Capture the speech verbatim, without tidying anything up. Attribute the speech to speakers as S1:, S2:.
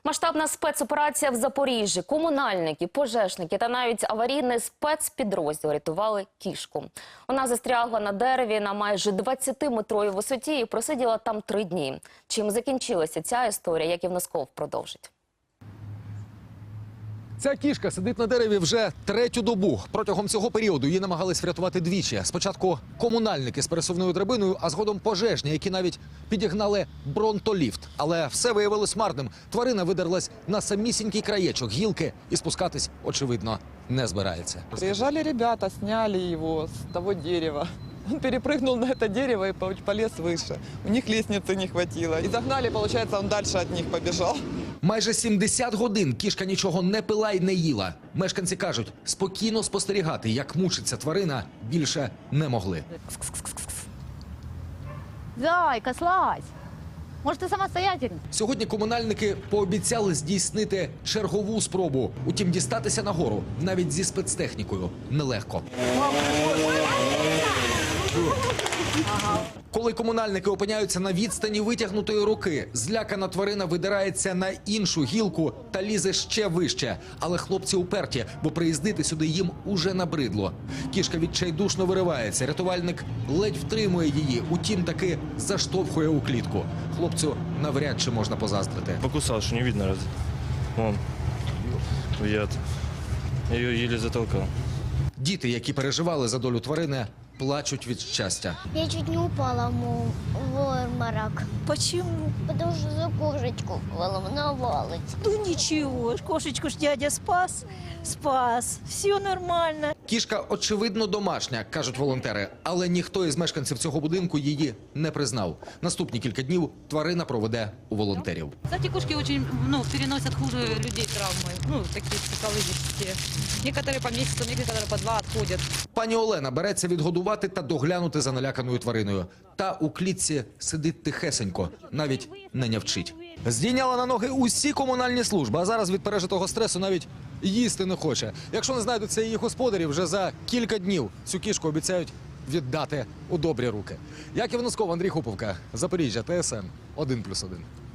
S1: Масштабна спецоперація в Запоріжжі. Комунальники, пожежники та навіть аварійний спецпідрозділ рятували кішку. Вона застрягла на дереві на майже двадцятиметровій висоті і просиділа там три дні. Чим закінчилася ця історія, Яків Носков продовжить.
S2: Ця кішка сидить на дереві вже третю добу. Протягом цього періоду її намагались врятувати двічі. Спочатку комунальники з пересувною драбиною, а згодом пожежні, які навіть підігнали бронтоліфт. Але все виявилось марним. Тварина видерлась на самісінький краєчок гілки і спускатись, очевидно, не збирається.
S3: Приезжали ребята, сняли его с того дерева. Он перепрыгнул на это дерево и полез выше. У них лестницы не хватило. И загнали, получается, он дальше от них побежал.
S2: Майже сімдесят годин кішка нічого не пила й не їла. Мешканці кажуть, спокійно спостерігати, як мучиться тварина, більше не могли.
S4: Зайка, слазь! Может, ты самостоятельно?
S2: Сьогодні комунальники пообіцяли здійснити чергову спробу. Утім, дістатися нагору навіть зі спецтехнікою нелегко. Коли комунальники опиняються на відстані витягнутої руки, злякана тварина видирається на іншу гілку та лізе ще вище. Але хлопці уперті, бо приїздити сюди їм уже набридло. Кішка відчайдушно виривається, рятувальник ледь втримує її, утім таки заштовхує у клітку. Хлопцю навряд чи можна позаздрити.
S5: Покусал, что не видно раз. Вон, яд. Я ее еле затолкал.
S2: Діти, які переживали за долю тварини, плачуть від щастя.
S6: Я чуть не упала в обморок.
S4: Почему?
S6: Потому что за кошечку волновалась.
S4: Ну ничего, кошечку ж дядя спас, спас, все нормально.
S2: Кішка, очевидно, домашня, кажуть волонтери, але ніхто із мешканців цього будинку її не признав. Наступні кілька днів тварина проведе у волонтерів.
S7: Кстати, кошки очень, ну, переносят хуже людей травмы, ну, такие психологические. Некоторые по месяцу, некоторые по два отходят.
S2: Пані Олена береться відгодувати та доглянути за наляканою твариною. Та у клітці сидить тихесенько, навіть не нявчить. Здійняла на ноги усі комунальні служби, а зараз від пережитого стресу навіть їсти не хоче. Якщо не знайдуться її господарі, вже за кілька днів цю кішку обіцяють віддати у добрі руки. Яків Носков, Андрій Хуповка, Запоріжжя, Т С Н один плюс один.